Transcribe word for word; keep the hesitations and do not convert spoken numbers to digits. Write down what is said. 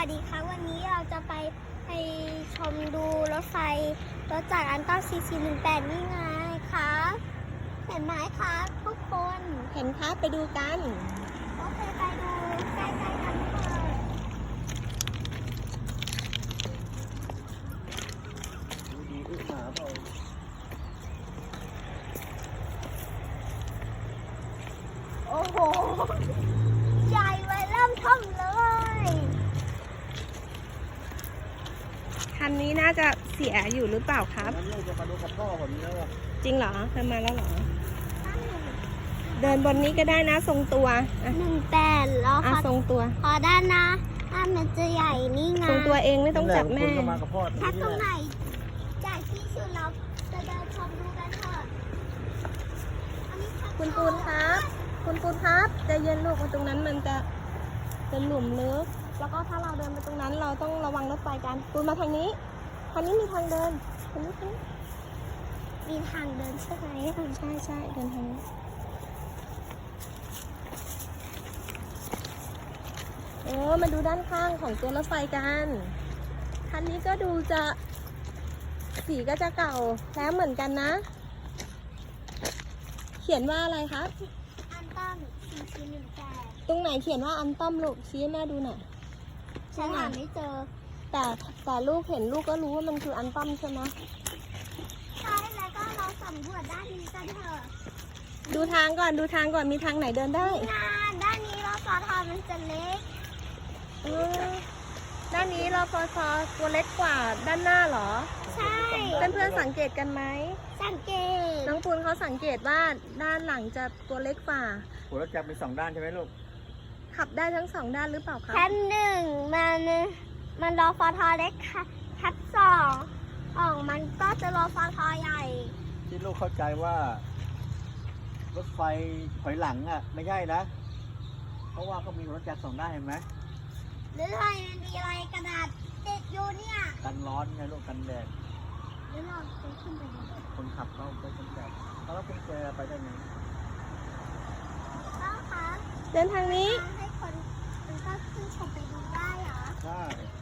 วัสดีค่ะวันนี้เราจะไปไปชมดูรถไฟรถจากอันต้าซีซีหนึ่งแปดนี่ไงคะเห็นไหมคะทุกคนเห็นคะไปดูกันโอเคไปดูใกล้ๆกันเถอะดีอึหมาเปล่าโอ้โหใหญ่ไว้เริ่มท่อมเลยคันนี้น่าจะเสียอยู่หรือเปล่าครับงั้นเราจะมาดูกับพ่อแบบนี้แล้วจริงเหรอเคยมาแล้วเหรอ เดินบนนี้ก็ได้นะทรงตัวอ่ะหนึ่งแปดแล้วอ่ะค่ะทรงตัวพอด้านนะอ่ะมันจะใหญ่นี่ไงทรงตัวเองไม่ต้องจับแม่คุณก็มากับพ่อถ้าตรงไหนใหญ่ที่สุดเราจะเดินชมดูกันเถอะอันนี้ทางคุณปูนครับ คุณปูนครับใจเย็นลูกตรงนั้นมันจะเป็นหลุมลึกแล้วก็ถ้าเราเดินไปตรงนั้นเราต้องระวังรถไฟกันปูนมาทางนี้ทางนี้มีทางเดินทางนี้ทางนี้มีทางเดินใช่ไหมใช่ใช่เดินทางนี้เออมาดูด้านข้างของตัวรถไฟกันคันนี้ก็ดูจะสีก็จะเก่าแล้วเหมือนกันนะ เขียนว่าอะไรครับอันต้อมซีซีหนึ่งแปดตรงไหนเขียนว่าอันต้อมลูกชี้ให้แม่ดูหน่อยฉันหาไม่เจอแต่แต่ลูกเห็นลูกก็รู้ว่ามันคืออันต้อมใช่ไหมใช่แล้วก็เราสำรวจด้านนี้กันเถอะดูทางก่อนดูทางก่อนมีทางไหนเดินได้งานด้านนี้เราสอทอมันจะเล็กเออด้านนี้เราพอซอตัวเล็กกว่าด้านหน้าเหรอใช่เพื่อนเพื่อนๆสังเกตกันไหมสังเกตน้องปูนเขาสังเกตว่าด้านหลังจะตัวเล็กกว่าหัวรถจักรมีสองด้านใช่ไหมลูกขับได้ทั้งสองด้านหรือเปล่าคะชั้นหนึ่งมันมันรอฟอทอเล็กค่ะชั้นสองออกมันก็จะรอฟอทอใหญ่ที่ลูกเข้าใจว่า รถไฟถอยหลังอ่ะ ไม่ใช่นะ เพราะว่าเขามีหัวรถจักรสองด้านเห็นไหมหรืออะไรมันมีอะไรกระดาษติดอยู่เนี่ยกันร้อนไงลูกกันแดดหรือเราจะขึ้นไปดูคนขับเขาไปกันแดดเขาแล้วคุณแจไปได้ไงก็คะเดินทางนี้ให้คนมันก็ขึ้นชมไปดูได้เหรอใช่